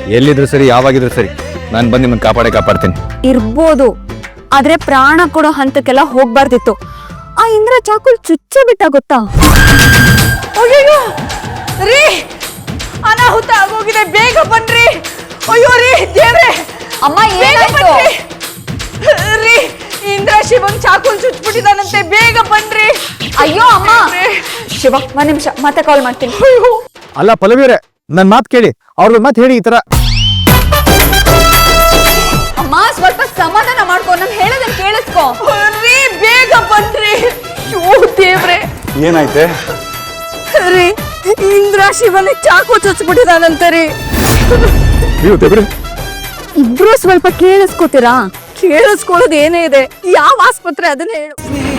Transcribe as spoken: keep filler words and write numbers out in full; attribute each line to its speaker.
Speaker 1: ಎಲ್ಲಿದ್ರು ಸರಿ ಯಾವಾಗಿದ್ರು ಸರಿ ನಾನು ಬಂದು ನಿಮ್ಮನ್ನ ಕಾಪಾಡೇ ಕಾಪಾಡ್ತೀನಿ.
Speaker 2: ಇರ್ಬೋದು, ಆದ್ರೆ ಪ್ರಾಣ ಕೊಡೋ ಹಂತಕ್ಕೆಲ್ಲ ಹೋಗ್ಬಾರ್ದಿತ್ತು. ಆ ಇಂದ್ರ ಚಾಕುಲ್ ಚುಚ್ಚೆ ಬಿಟ್ಟ ಗೊತ್ತಾ?
Speaker 3: ಅಯ್ಯೋ ರೀ, ಅನಾಹುತ ಆಗೋಗಿದೆ, ಬೇಗ ಬನ್ರಿ. ಅಯ್ಯೋ ರೀ ದೇವ್ರೆ,
Speaker 2: ಅಮ್ಮ ಏನಾಯ್ತು?
Speaker 3: ರೀ ಇಂದ್ರ ಶಿವಂಗ್ ಚಾಕುಲ್ ಚುಚ್ಬಿಟ್ಟಿದಾನಂತೆ, ಬೇಗ ಬನ್ರಿ.
Speaker 2: ಅಯ್ಯೋ ಅಮ್ಮ, ಶಿವ ಒಂದ್ ನಿಮಿಷ ಮತ್ತೆ ಕಾಲ್ ಮಾಡ್ತೀನಿ.
Speaker 4: ಅಲ್ಲ ಪಲ್ಲವಿಯವರೇ, ನನ್ ಮಾತು ಕೇಳಿ, ಅವ್ರದ್ದು ಮಾತು ಹೇಳಿ. ಈ ತರ
Speaker 2: ಅಮ್ಮ ಸ್ವಲ್ಪ ಸಮಾಧಾನ ಮಾಡ್ಕೊ, ನಾನು ಹೇಳೋದನ್ನ ಕೇಳಿಸ್ಕೊ.
Speaker 3: ರೀ ಬೇಗ ಬನ್ರಿ. ಅಯ್ಯೋ ದೇವ್ರೆ,
Speaker 4: ಏನಾಯ್ತೆ?
Speaker 3: ರೀ ಇಂದ್ರ ಶಿವನಿಗೆ ಚಾಕು ಚುಚ್ಬಿಟ್ಟಿದಾನಂತೆ ರೀ.
Speaker 4: ನೀವು ದೇವ್ರೆ,
Speaker 2: ಇಬ್ರು ಸ್ವಲ್ಪ ಕೇಳಿಸ್ಕೊತೀರಾ?
Speaker 3: ಕೇಳಿಸ್ಕೊಳ್ಳೋದು ಏನೇ ಇದೆ, ಯಾವ ಆಸ್ಪತ್ರೆ ಅದನ್ನ ಹೇಳು.